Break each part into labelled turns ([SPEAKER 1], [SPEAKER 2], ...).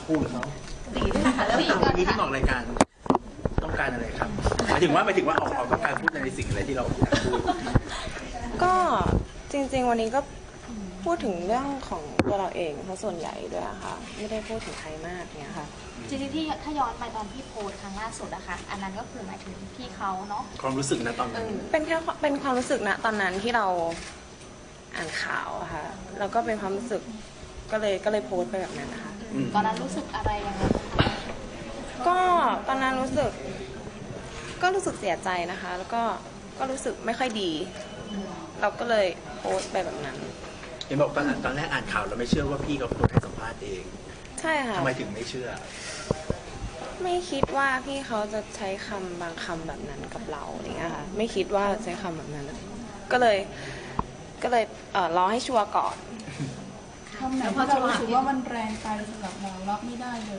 [SPEAKER 1] คู่เขา
[SPEAKER 2] ตีด้วยค่ะแล้ว
[SPEAKER 1] วันนี้ที่ออกรายการต้องการอะไรครับหมายถึงว่าออกต้องการพูดในสิ่งอะไรที่เราอยากพูด
[SPEAKER 3] ก็จริงๆวันนี้ก็พูดถึงเรื่องของตัวเราเองเพราะส่วนใหญ่ด้วยอะค่ะไม่ได้พูดถึงใครมากเนี่ยค่ะ
[SPEAKER 2] จริงๆที่ถ้าย้อนไปตอนที่โพสต์ครั้งล่าสุดอะค่ะอันนั้นก็คือหมายถึงพี่เขาเนาะ
[SPEAKER 1] ความรู้สึกนะตอนนั้น
[SPEAKER 3] เป็นแค่เป็นความรู้สึกนะตอนนั้นที่เราอ่านข่าวอะค่ะแล้วก็เป็นความรู้สึกก็เลยโพสต์ไปแบบนั้นนะคะ
[SPEAKER 2] ตอนนั้นรู้สึกอะไรยังไง
[SPEAKER 3] ก็ตอนนั้นรู้สึกเสียใจนะคะ แล้วก็รู้สึกไม่ค่อยดี เราก็เลยโพสต์ไปแบบนั้น
[SPEAKER 1] เห็นบอกตอนแรกอ่านข่าวเราไม่เชื่อว่าพี่เขาเป็นคนให้สัมภาษณ์เอง
[SPEAKER 3] ใช่ค่ะ
[SPEAKER 1] ทำไมถึงไม่เชื่อ
[SPEAKER 3] ไม่คิดว่าพี่เขาจะใช้คำบางคำแบบนั้นกับเราอย่างเงี้ยค่ะไม่คิดว่าใช้คำแบบนั้นก็เลยรอให้ชัวร์ก่อน
[SPEAKER 4] คำไหนที่เรารู้สึกว่ามันแรงไปสำหรับเรารับไม่ได้เลย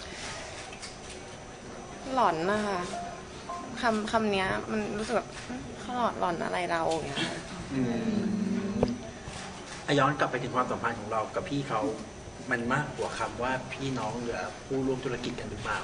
[SPEAKER 3] หลอนนะคะคำนี้มันรู้สึกแบบเขาหลอนอะไรเราอย่างเงี้ยค่ะ
[SPEAKER 1] ย้อนกลับไปถึงความสัมพันธ์ของเรากับพี่เขามันมากกว่าคำว่าพี่น้องหรือผู้ร่วมธุรกิจกันหรือเปล่า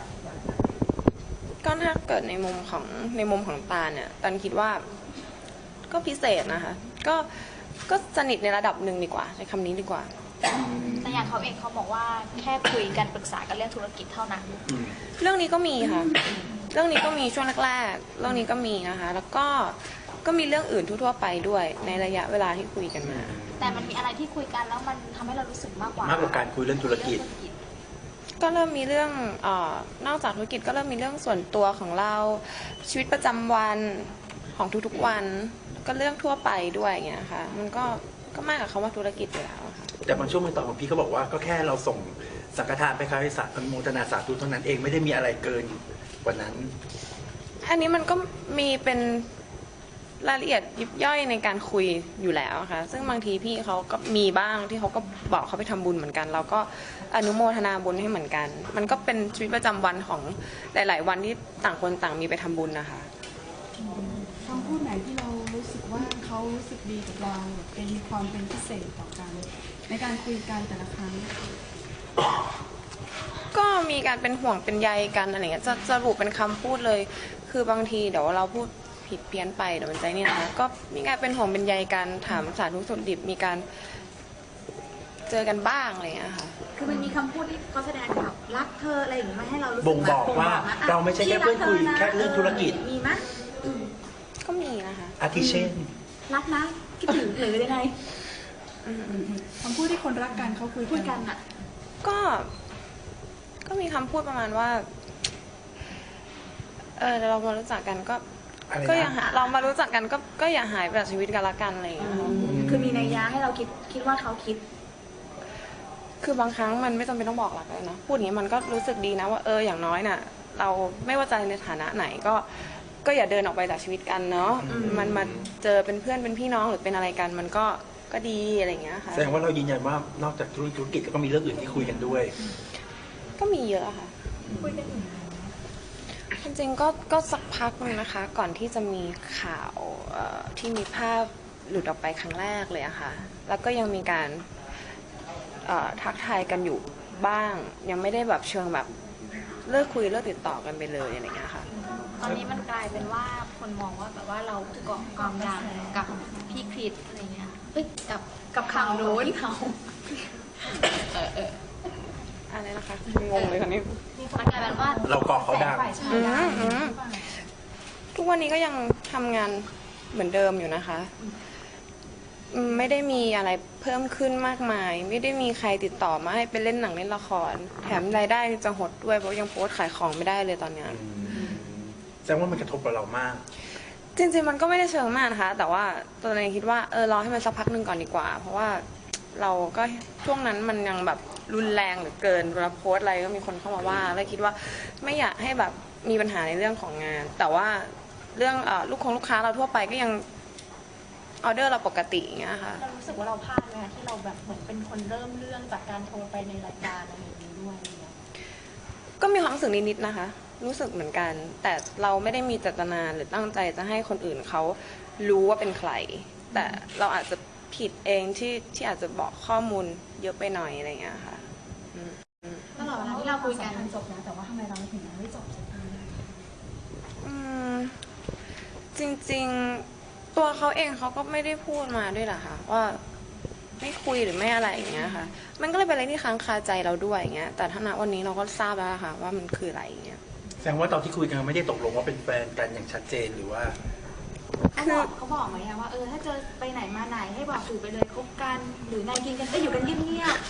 [SPEAKER 3] ก็ถ้าเกิดในมุมของตาเนี่ยตันคิดว่าก็พิเศษนะคะก็สนิทในระดับหนึ่งดีกว่าใช้คำนี้ดีกว่า
[SPEAKER 2] แต่อย่างเขาเองเขาบอกว่าแค่คุยกันปรึกษากันเรื่องธุรกิจเท่านั้น
[SPEAKER 3] เรื่องนี้ก็มีค่ะเรื่องนี้ก็มีช่วงแรกๆเรื่องนี้ก็มีนะคะแล้วก็มีเรื่องอื่นทั่วๆไปด้วยในระยะเวลาที่คุยกันมา
[SPEAKER 2] แต่มันมีอะไรที่คุยกันแล้วมันทำให้เรารู้สึกมากกว่า
[SPEAKER 1] การคุยเรื่องธุรกิจ
[SPEAKER 3] ก็เริ่มมีเรื่องนอกจากธุรกิจก็เริ่มมีเรื่องส่วนตัวของเราชีวิตประจำวันของทุกๆวันก็เรื่องทั่วไปด้วยอย่างเงี้ยค่ะมันก็มากกว่าคำว่าธุรกิจอยู่แล้วค่ะ
[SPEAKER 1] แต่บางช่วงบางตอนของพี่เขาบอกว่าก็แค่เราส่งสังฆทานไปคาริสาอนุโมทนาสาธุเท่านั้นเองไม่ได้มีอะไรเกินกว่านั้น
[SPEAKER 3] อันนี้มันก็มีเป็นรายละเอียดยิบย่อยในการคุยอยู่แล้วค่ะซึ่งบางทีพี่เขาก็มีบ้างที่เขาก็บอกเขาไปทำบุญเหมือนกันเราก็อนุโมทนาบุญให้เหมือนกันมันก็เป็นชีวิตประจำวันของหลายๆวันที่ต่างคนต่างมีไปทำบุญนะคะ
[SPEAKER 4] คำพูดไหนที่เรารู้สึกว่าเขารู้สึกดีกับเราเป็นความเป็นพิเศษต่อกันในการคุยกันแต่ละครั้ง
[SPEAKER 3] ก็มีการเป็นห่วงเป็นใยกันอะไรเงี้ยจะสรุปเป็นคำพูดเลยคือบางทีเดี๋ยวเราพูดผิดเพี้ยนไปเดี๋ยวมันใจเนี่ยนะคะก็มีการเป็นห่วงเป็นใยกันถามสาธุสุขดิบมีการเจอกันบ้างอะไรเงี้ยค่ะ
[SPEAKER 2] คือมันมีคำพูดที่เขาแสดงแบบรักเธออะไรอย่างเงี้ยมาให้เรารู้สึก
[SPEAKER 1] บ่งบอกว่าเราไม่ใช่แค่เพื่อนคุยแค่เรื่องธุรกิจ
[SPEAKER 2] มีไหม
[SPEAKER 3] ก็มีนะคะ
[SPEAKER 1] อาทิเช่น
[SPEAKER 2] รักนะคิดถึงหรือยังไง
[SPEAKER 4] คำพูดที่คนรักกันเขาคุย
[SPEAKER 2] กันอ่ะ
[SPEAKER 3] ก็มีคำพูดประมาณว่าเรามารู้จักกันก็อย่าเรามารู้จักกันก็อย่าหายไปจากชีวิตกันละกันอะไรอย่างเงี้ย
[SPEAKER 2] คือมีนัยยะให้เราคิดว่าเขาคิด
[SPEAKER 3] คือบางครั้งมันไม่จำเป็นต้องบอกหลักเลยนะพูดอย่างนี้มันก็รู้สึกดีนะว่าอย่างน้อยน่ะเราไม่ว่าจะในฐานะไหนก็อย่าเดินออกไปจากชีวิตกันเนาะมันมาเจอเป็นเพื่อนเป็นพี่น้องหรือเป็นอะไรกันมันก็ดีอะไรอย่างเงี้ยค่ะ
[SPEAKER 1] แสดงว่าเรายืนยันว่านอกจากธุรกิจก็มีเรื่องอื่นที่คุยกันด้วย
[SPEAKER 3] ก็มีเยอะค่ะ
[SPEAKER 2] คุยกันอยู่
[SPEAKER 3] จริงๆก็สักพักนึงนะคะก่อนที่จะมีข่าวที่มีภาพหลุดออกไปครั้งแรกเลยอะค่ะแล้วก็ยังมีการทักทายกันอยู่บ้างยังไม่ได้แบบเชิงแบบเลิกคุยเลิกติดต่อกันไปเลยอะไรเงี้ยค่ะ
[SPEAKER 2] ตอนนี้มันกลายเป็นว่าคนมองว่าแบบว่าเราเกาะความดังกับพี่คริสอะไรเงี้ยกับข่าวโน้นเขา
[SPEAKER 3] อะไรนะคะงงเลยค่ะนี่
[SPEAKER 2] มันกลายเป็นว่า
[SPEAKER 1] เราเกาะเขาดัง
[SPEAKER 3] ทุกวันนี้ก็ยังทำงานเหมือนเดิมอยู่นะคะไม่ได้มีอะไรเพิ่มขึ้นมากมายไม่ได้มีใครติดต่อมาให้ไปเล่นหนังเล่นละครแถมรายได้จะหดด้วยเพราะยังโพสต์ขายของไม่ได้เลยตอนนี้
[SPEAKER 1] แสดงว่ามันกระทบกับเรามาก
[SPEAKER 3] จริงๆมันก็ไม่ได้เชิงมากนะคะแต่ว่าตัวเองคิดว่ารอให้มันสักพักหนึ่งก่อนดีกว่าเพราะว่าเราก็ช่วงนั้นมันยังแบบรุนแรงหรือเกินเวลาโพสต์อะไรก็มีคนเข้ามาว่าแล้วคิดว่าไม่อยากให้แบบมีปัญหาในเรื่องของงานแต่ว่าเรื่องลูกค้าเราทั่วไปก็ยังออเดอร์เราปกติอย่างเงี้ยค่ะ
[SPEAKER 2] เรารู้สึกว่าเราพลาดไหมที่เราแบบเหมือนเป็นคนเริ่มเรื่องจากการโทรไปในรายการอะไรอย่างนี้ด้วย
[SPEAKER 3] ก็มีความรู้สึกนิดๆนะคะรู้สึกเหมือนกันแต่เราไม่ได้มีเจตนาหรือตั้งใจจะให้คนอื่นเขารู้ว่าเป็นใครแต่เราอาจจะผิดเองที่อาจจะบอกข้อมูลเยอะไปหน่อยอะไรอย่างเงี้ยค่ะ
[SPEAKER 2] ตลอดคุยกัน
[SPEAKER 4] จบแล้วแต่ว่าทำไมเราถึงยังไม่จบสักที
[SPEAKER 3] อืมจริงๆตัวเขาเองเขาก็ไม่ได้พูดมาด้วยแหละค่ะว่าไม่คุยหรือไม่อะไรอย่างเงี้ยค่ะ มันก็เลยเป็นอะไรที่ค้างคาใจเราด้วยอย่างเงี้ยแต่ถ้าณวันนี้เราก็ทราบแล้วค่ะว่ามันคืออะไรอย่างเงี้ย
[SPEAKER 1] แสดงว่าตอนที่คุยกันไม่ได้ตกลงว่าเป็นแฟนกันอย่างชัดเจนหรือว่า
[SPEAKER 2] เขาบอกไหมอะว่าถ้าเจอไปไหนมาไหนให้บอกสื่อไปเลยคบกันหรือนายกินกันอยู่กันเงียบ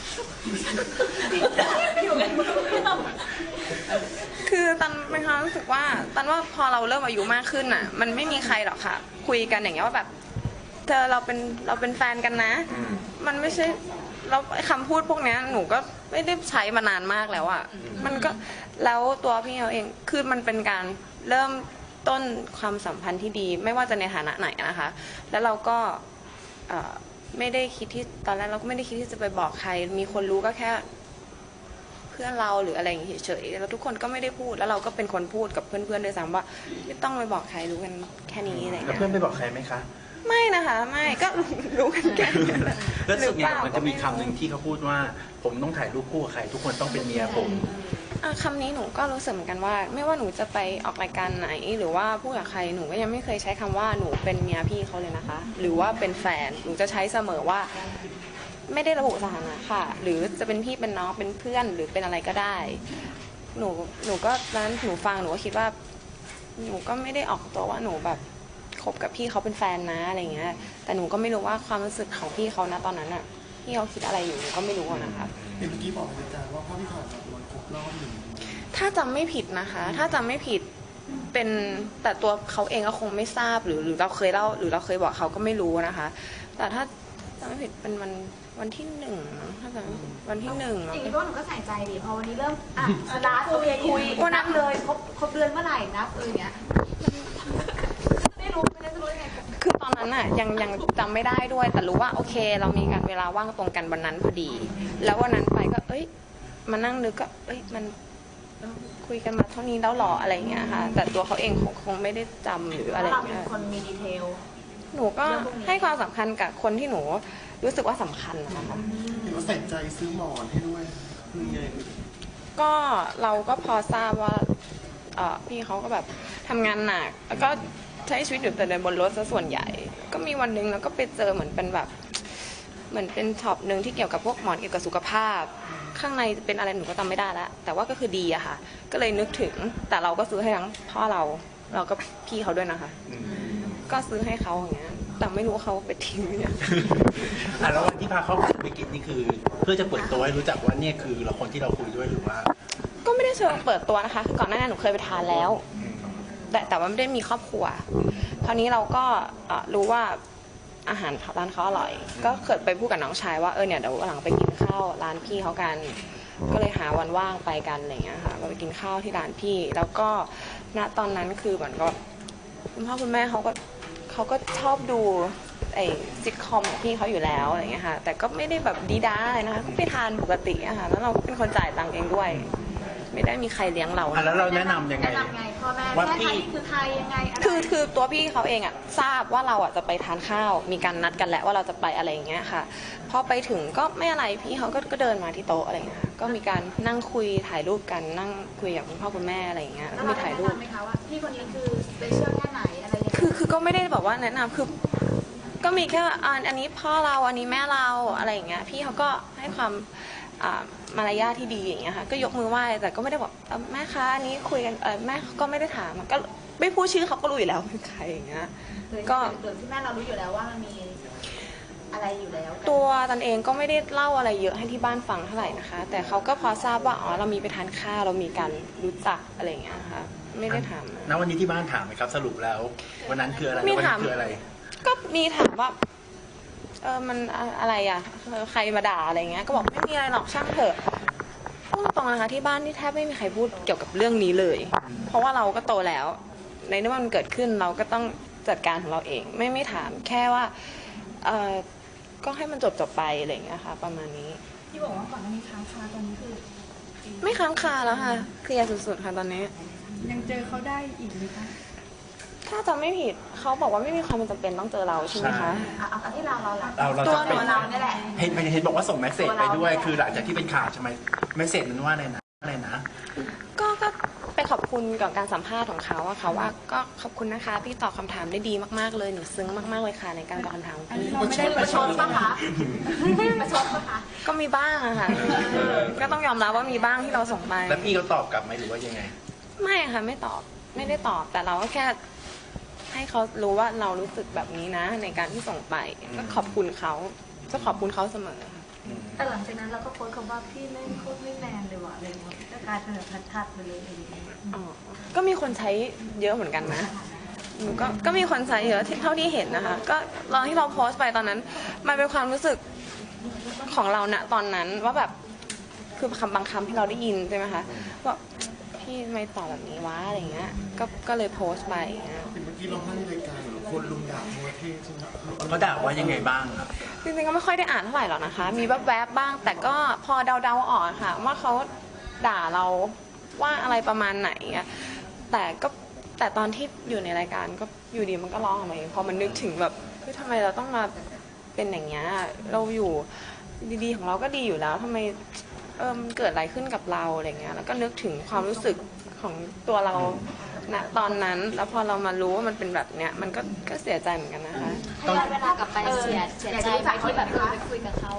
[SPEAKER 2] ๆอยู่กันเงียบ
[SPEAKER 3] คือตันเป็นความรู้สึกว่าตันว่าพอเราเริ่มอายุมากขึ้นอ่ะ มันไม่มีใครหรอกค่ะ คุยกันอย่างเงี้ยว่าแบบเธอเราเป็นแฟนกันนะ มันไม่ใช่เราคำพูดพวกเนี้ยหนูก็ไม่ได้ใช้มานานมากแล้วอ่ะมันก็แล้วตัวพี่เขาเองคือมันเป็นการเริ่มต้นความสัมพันธ์ที่ดี ไม่ว่าจะในฐานะไหนนะคะ แล้วเราก็ไม่ได้คิดที่ตอนแรกเราก็ไม่ได้คิดที่จะไปบอกใคร มีคนรู้ก็แค่เพื่อนเราหรืออะไรอย่างเงี้ยเฉยๆแล้วทุกคนก็ไม่ได้พูดแล้วเราก็เป็นคนพูดกับเพื่อนๆด้วยซ้ำว่าไม่ต้องไปบอกใครรู้กันแค่นี้อะไร
[SPEAKER 1] แล้ว
[SPEAKER 3] เงี้ย
[SPEAKER 1] เพื่อนไปบอกใครไหมคะ
[SPEAKER 3] ไม่นะคะไม่ก็รู้กันแค่นี้แหละ
[SPEAKER 1] แล้วสุดเนี่ยมันจะมี
[SPEAKER 3] หรือเป
[SPEAKER 1] คำ
[SPEAKER 3] ล่า
[SPEAKER 1] หนึ่งที่เขาพูดว่า ผมต้องถ่ายรูปคู่กับใคร ทุกคนต้องเป็นเมียผม
[SPEAKER 3] คำนี้หนูก็รู้สึกเหมือนกันว่า ไม่ว่าหนูจะไปออกรายการไหน หรือว่าพูดกับใครหนูก็ยังไม่เคยใช้คำว่าหนูเป็นเมียพี่เขาเลยนะคะ หรือว่าเป็นแฟนหนูจะใช้เสมอว่า ไม่ได้ระบุสถานะค่ะ หรือจะเป็นพี่เป็นน้องเป็นเพื่อนหรือเป็นอะไรก็ได้ หนูก็ตอนนั้นหนูฟังหนูก็คิดว่า หนูก็ไม่ได้ออกตัวว่าหนูแบบคบกับพี่เขาเป็นแฟนนะอะไรเงี้ย แต่หนูก็ไม่รู้ว่าความรู้สึกของพี่เขานะตอนนั้นอะพี่เขาคิดอะไรอยู่หนูก็ไม่รู้อะนะคะ
[SPEAKER 5] เมื่อกี้บอกอาจารย์ว่าภาพที่ผ่านมาวันครบรอบ1
[SPEAKER 3] ถ้าจำไม่ผิดนะคะ ถ้าจำไม่ผิดเป็นแต่ตัวเขาเองก็คงไม่ทราบหรือเราเคยเล่าหรือเราเคยบอกเขาก็ไม่รู้นะคะ แต่ถ้าจำไม่ผิดเป็นวันที่1มั้งถ้าจำไม่ผิดวันที่1
[SPEAKER 2] ๆ
[SPEAKER 3] มั้
[SPEAKER 2] จริ
[SPEAKER 3] ง
[SPEAKER 2] งๆพวกหนูก็ใส่ใจดิพอวันนี้เริ่มสตาร์ทโอเคคุยนับเลยครบเดือนเมื่อไหร่นับอย่างเงี้ยไม่รู้ไม่ได้จะรู้ยังไง
[SPEAKER 3] คือตอนนั้นอะยังจำไม่ได้ด้วย แต่รู้ว่าโอเค เรามีการเวลาว่างตรงกันวันนั้นพอดี แล้ววันนั้นไปก็มานั่งนึกก็มันคุยกันมาเท่านี้แล้วหรออะไรอย่างเงี้ยค่ะ แต่ตัวเขาเองคงไม่ได้จำหรืออะไรอ
[SPEAKER 2] เรา
[SPEAKER 3] ย่าง
[SPEAKER 2] เป็
[SPEAKER 3] เงี้
[SPEAKER 2] น
[SPEAKER 3] ย
[SPEAKER 2] คนมีดีเทล
[SPEAKER 3] หนูก็ให้ความสำคัญกับคนที่หนูรู้สึกว่าสำคัญนะคะ
[SPEAKER 5] เห็นว่าใส่ใจซื้อหมอนให้ด้วยคือไง
[SPEAKER 3] ก็เราก็พอทราบว่าพี่เขาก็แบบทำงานหนักแล้วก็ใช้ชีวิตอยู่แต่ในบนรถซะส่วนใหญ่ ก็มีวันหนึงแล้วก็ไปเจอเหมือนเป็นแบบเหมือนเป็นช็อปหนึ่งที่เกี่ยวกับพวกหมอนเกี่ยวกับสุขภาพ ข้างในเป็นอะไรหนูก็จำไม่ได้แล้วแต่ว่าก็คือดีอะค่ะ ก็เลยนึกถึงแต่เราก็ซื้อให้ทั้งพ่อเราก็พี่เขาด้วยนะคะ ก็ซื้อให้เขาอย่างเงี้ยแต่ไม่รู้ว่าเขาไปทิ้งหรือยัง
[SPEAKER 1] แล้ววันที่พาเขาไปกินนี่คือ เพื่อจะเปิดตัวให้รู้จักว่าเนี่ยคือเราคนที่เราคุยด้วยหรือว่า
[SPEAKER 3] ก็ไม่ได้เชิงเปิดตัวนะคะคือก่อนหน้านั้นหนูเคยไปทานแล้ว แต่ว่าไม่ได้มีครอบครัว คราวนี้เราก็รู้ว่าอาหารร้านเขาอร่อย ก็เคยไปพูดกับน้องชายว่าเนี่ยเดี๋ยววันหลังไปกินข้าวร้านพี่เขากัน ก็เลยหาวันว่างไปกันอะไรอย่างเงี้ยค่ะก็ไปกินข้าวที่ร้านพี่ แล้วก็ณตอนนั้นคือเหมือนก็คุณพ่อคุณแม่เขาก็ชอบดูไอ้ซิทคอมของพี่เขาอยู่แล้วอะไรอย่างเงี้ยค่ะ แต่ก็ไม่ได้แบบดีด้าอะไรนะคะก็ไปทานปกติอะค่ะแล้วเราก็เป็นคนจ่ายตังค์เองด้วย ไม่ได้มีใครเลี้ยงเรา
[SPEAKER 1] แล้วเราแนะนำยังไง
[SPEAKER 2] แนะนำไงพ่อแม่
[SPEAKER 1] ว่า
[SPEAKER 2] แม่
[SPEAKER 1] พี่
[SPEAKER 2] ไทยนี่คือใครยังไงอะไร
[SPEAKER 3] คือตัวพี่เขาเองอะทราบว่าเราอะจะไปทานข้าว มีการนัดกันแล้วว่าเราจะไปอะไรอย่างเงี้ยค่ะพอไปถึงก็ไม่อะไรพี่เขาก็เดินมาที่โต๊ะอะไรอย่างเงี้ยค่ะก็มีการนั่งคุยถ่ายรูปกันนั่งคุยกับคุณพ่อคุณแม่อะไรอย่างเงี้ย
[SPEAKER 2] แล้
[SPEAKER 3] แล้ว ว
[SPEAKER 2] เรา
[SPEAKER 3] มี
[SPEAKER 2] ได้
[SPEAKER 3] ถ่าย
[SPEAKER 2] แนะ
[SPEAKER 3] รูป
[SPEAKER 2] นำไหมคะว่าพี่คนนี้คือสเปเชียลแค่ไหนอะไรยังไง
[SPEAKER 3] คือก็ไม่ได้แบบว่าแนะนำคือก็มีแค่อันนี้พ่อเราอันนี้แม่เราอะไรอย่างเงี้ยพี่เขาก็ให้ความมารยาทที่ดีอย่างเงี้ยค่ะก็ยกมือไหว้แต่ก็ไม่ได้บอกแม่คะอันนี้คุยกันแม่ก็ไม่ได้ถามก็ไม่พูดชื่อเขาก็รู้อยู่แล้วเป็นใครอย่างเงี้ย ก็
[SPEAKER 2] โดยที่แม่เรารู้อยู่แล้วว่ามันมีอะไรอยู่แล้วกัน
[SPEAKER 3] ตัวตันเองก็ไม่ได้เล่าอะไรเยอะให้ที่บ้านฟังเท่าไหร่นะคะ แต่เขาก็พอทราบว่าเรามีไปทานข้าวเรามีการรู้จักอะไรอย่างเงี้ยค่ะไม่ได้ถาม
[SPEAKER 1] ณวันนี้ที่บ้านถามไหมครับ สรุปแล้ววันนั้นคืออะไร
[SPEAKER 3] มี
[SPEAKER 1] วัน
[SPEAKER 3] ถาม
[SPEAKER 1] นี้คืออะไร
[SPEAKER 3] ก็มีถามว่ามันอะไรอ่ะใครมาด่าอะไรเงี้ยก็บอกไม่มีอะไรหรอกช่างเถอะพูดตรงๆนะคะที่บ้านนี่แทบไม่มีใครพูดเกี่ยวกับเรื่องนี้เลย เพราะว่าเราก็โตแล้ว ในเมื่อมันเกิดขึ้นเราก็ต้องจัดการของเราเองไม่ถามแค่ว่าก็ให้มันจบไปอะไรอย่างเงี้ยค่ะประมาณนี้
[SPEAKER 4] ที่บอกว่าก่อนหน้านี้ค้างคาตอนนี้คือ
[SPEAKER 3] ไม่ค้างคาแล้วค่ะเคลียร์สุดๆค่ะตอนนี้
[SPEAKER 4] ยังเจอเขาได้อีกไหมคะ
[SPEAKER 3] ถ้าจำไม่ผิดเขาบอกว่าไม่มีความจำเป็นต้องเจอเราใช่ไหมคะ
[SPEAKER 2] เอาที่เราละ
[SPEAKER 1] เรา
[SPEAKER 3] ตัว
[SPEAKER 1] จะเป็น
[SPEAKER 2] เราเนี่ยแหละ
[SPEAKER 1] เห็นบอกว่าส่งเมสเซจไปด้วย คือหลังจากที่เป็นข่าวใช่ไหมเมสเซจนั้นว่าอะไรนะอะไรนะ
[SPEAKER 3] ก็ไปขอบคุณกับการสัมภาษณ์ของเขาอะค่ะว่าก็ขอบคุณนะคะพี่ตอบคำถามได้ดีมากๆเลยหนูซึ้งมากๆเลยค่ะในการตอบคำถามของ
[SPEAKER 4] อันนี้
[SPEAKER 3] พี่
[SPEAKER 4] เราไม่ได้ประชด
[SPEAKER 2] ปะคะประชดปะคะ
[SPEAKER 3] ก็มีบ้างอะค่ะก็ต้องยอมรับว่ามีบ้างที่เราส่งไป
[SPEAKER 1] แล้วพี่เขาตอบกลับไหมหรือว่ายังไง
[SPEAKER 3] ไม่ค่ะไม่ตอบไม่ได้ตอบแต่เราก็แค่ให้เขารู้ว่าเรารู้สึกแบบนี้นะ ในการที่ส่งไปก็ขอบคุณเขาก็ขอบคุณเขาเสมอค่ะ
[SPEAKER 2] แต่หลังจากนั้นเราก็โพสต์คำว่าพี่เล่นโคตรไม่แมนเลยว่ะอะไรเงี้ยก็กลายเป็นแบบทัดๆไปเลยอะไรเงี้ย
[SPEAKER 3] อ๋อก็มีคนใช้เยอะเหมือนกันนะหนูก็มีคนใช้เยอะเท่าที่เห็นนะคะ ก็ตอนที่เราโพสต์ไปตอนนั้น มันเป็นความรู้สึกของเราณตอนนั้นว่าแบบคือคำบางคำที่เราได้ยินใช่ไหมคะว่าพี่ทำไม่ตอบแบบนี้วะอะไรเงี้ยก็เลยโพสต์ไปอย่างเงี้ย
[SPEAKER 5] เมื่อกี้เราให้รายการคนลุมด่าโมเทใช่ไหม
[SPEAKER 1] เขาด่าว่ายังไงบ้างอะ
[SPEAKER 3] จริงๆก็ไม่ค่อยได้อ่านเท่าไหร่หรอกนะคะ มีแวบๆบ้าง แต่ก็พอเดาๆออกค่ะ ว่าเขาด่าเราว่าอะไรประมาณไหนอะแต่ตอนที่อยู่ในรายการก็อยู่ดีมันก็ร้องออกมาเองพอมันนึกถึงแบบเฮ้ยทำไมเราต้องมาเป็นอย่างเงี้ยเราอยู่ดีๆของเราก็ดีอยู่แล้วทำไมมันเกิดอะไรขึ้นกับเราอะไรเงี้ยแล้วก็นึกถึงความรู้สึกของตัวเราณตอนนั้นแล้วพอเรามารู้ว่ามันเป็นแบบเนี้ยมันก็เสียใจเหมือนกันนะคะ
[SPEAKER 2] ถ้าย้อนเวลากลับไปเสียใจไหมที่แบบไปคุยกับเขา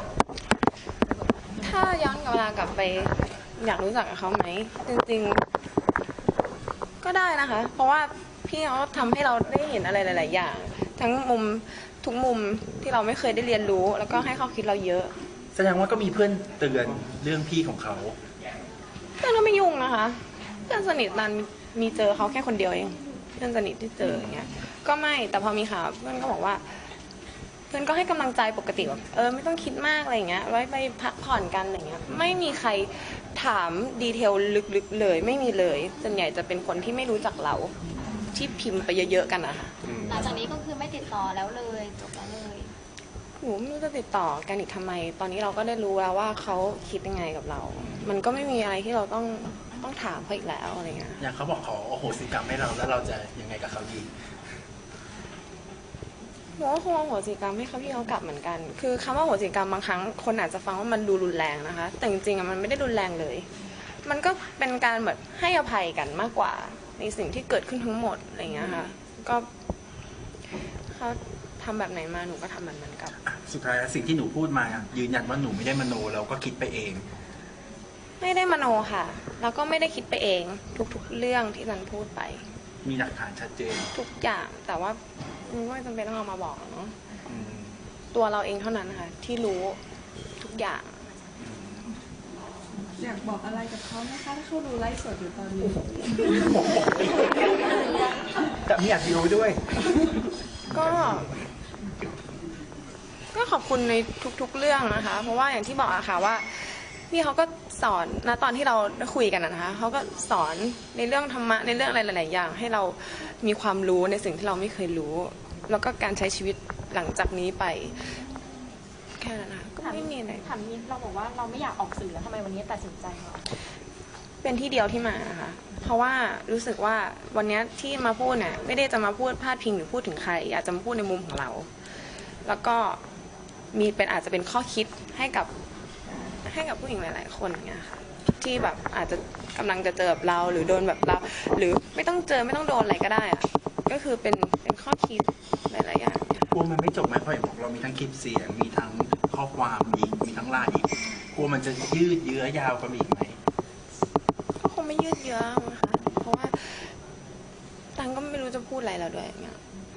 [SPEAKER 3] ถ้าย้อนเวลากลับไปอยากรู้จักกับเขาไหมจริงๆก็ได้นะคะ เพราะว่าพี่เขาทำให้เราได้เห็นอะไรหลาย ๆ อย่าง ทั้งมุมทุกมุมที่เราไม่เคยได้เรียนรู้ แล้วก็ให้ข้อคิดเราเยอะ
[SPEAKER 1] แสดงว่าก็มีเพื่อนเตือนเรื่องพี่ของเขา
[SPEAKER 3] เพื่อนก็ไม่ยุ่งนะคะเพื่อนสนิทนันมีเจอเขาแค่คนเดียวเองเพื่อนสนิทที่เจออย่างเงี้ยก็ไม่แต่พอมีข่าวเพื่อนก็บอกว่า เพื่อนก็ให้กำลังใจปกติแบบไม่ต้องคิดมากอะไรอย่างเงี้ยไว้ไปพักผ่อนกันอะไรเงี้ยไม่มีใครถามดีเทลลึกๆเลยไม่มีเลยส่วนใหญ่จะเป็นคนที่ไม่รู้จักเราที่พิมพ์ไปเยอะๆกันนะคะ
[SPEAKER 2] หลังจากนี้ก็คือไม่ติดต่อแล้วเลยจบแล้วเลย
[SPEAKER 3] หนูไม่รู้จะติดต่อกันอีกทำไม ตอนนี้เราก็ได้รู้แล้วว่าเขาคิดยังไงกับเรา มันก็ไม่มีอะไรที่เราต้องถามเขาอีกแล้วอะไรเงี้ย
[SPEAKER 1] อย่างเขาบอกขอโอโหสิกรรมให้เราแล้วเราจะยังไงกับเขาดี
[SPEAKER 3] หนูก็คงเอาโหสิกรรมให้เขาพี่เขากลับเหมือนกัน คือคำว่าโหสิกรรมบางครั้งคนอาจจะฟังว่ามันดูรุนแรงนะคะ แต่จริงๆอะมันไม่ได้รุนแรงเลย มันก็เป็นการแบบให้อภัยกันมากกว่าในสิ่งที่เกิดขึ้นทั้งหมดอะไรเงี้ยค่ะ ก็เขาทำแบบไหนมาหนูก็ทำแบบนั้นกลับ
[SPEAKER 1] สุดท้ายแล้วสิ่งที่หนูพูดมายืนยันว่าหนูไม่ได้มโนเราก็คิดไปเอง
[SPEAKER 3] ไม่ได้มโนค่ะ แล้วก็ไม่ได้คิดไปเองทุกๆเรื่องที่ฉันพูดไป
[SPEAKER 1] มีหลักฐานชัดเจน
[SPEAKER 3] ทุกอย่างแต่ว่ามันไม่จำเป็นต้องเอามาบอกหรอกเนาะ
[SPEAKER 1] อืม
[SPEAKER 3] ตัวเราเองเท่านั้นนะคะที่รู้ทุกอย่าง
[SPEAKER 4] อยากบอกอะไรกับเขาไหมคะถ้าเขาดูไลฟ์สดอยู่ตอนนี้
[SPEAKER 1] แต่ไม่อยากรู้ด้วย
[SPEAKER 3] ก็ขอบคุณในทุกๆเรื่องนะคะ เพราะว่าอย่างที่บอกอะค่ะว่าพี่เขาก็สอนนะตอนที่เราได้คุยกันนะคะเขาก็สอนในเรื่องธรรมะในเรื่องอะไรหลายๆอย่าง ให้เรามีความรู้ในสิ่งที่เราไม่เคยรู้ แล้วก็การใช้ชีวิตหลังจากนี้ไปแค่นั้นนะคะก็ไม่มีอะไร
[SPEAKER 6] ถามนี้เราบอกว่าเราไม่อยากออกสื่อแล้วทำไมวันนี้ตัดสินใจมา
[SPEAKER 3] เป็นที่เดียวที่มานะคะเพราะว่ารู้สึกว่าวันนี้ที่มาพูดเนี่ยไม่ได้จะมาพูดพาดพิงหรือพูดถึงใครอยากจะมาพูดในมุมของเรา แล้วก็มีเป็นอาจจะเป็นข้อคิดให้กับผู้หญิงหลายๆคนเนี่ยค่ะที่แบบอาจจะกำลังจะเจอแบบเราหรือโดนแบบเรา หรือไม่ต้องเจอไม่ต้องโดนอะไรก็ได้อะก็คือเป็นข้อคิดหลายๆอย่างเนี่ย
[SPEAKER 1] กลัวมันไม่จบไหมเพราะเห็นบอกเรามีทั้งคลิปเสียง มีทั้งข้อความอีกมีทั้งไลน์อีก กลัวมันจะยืดเยื้อยาวกันอีกไหม
[SPEAKER 3] ก็คงไม่ยืดเยื้อนะคะเพราะว่าตังก็ไม่รู้จะพูดอะไรแล้วด้วยอย่างเงี้ย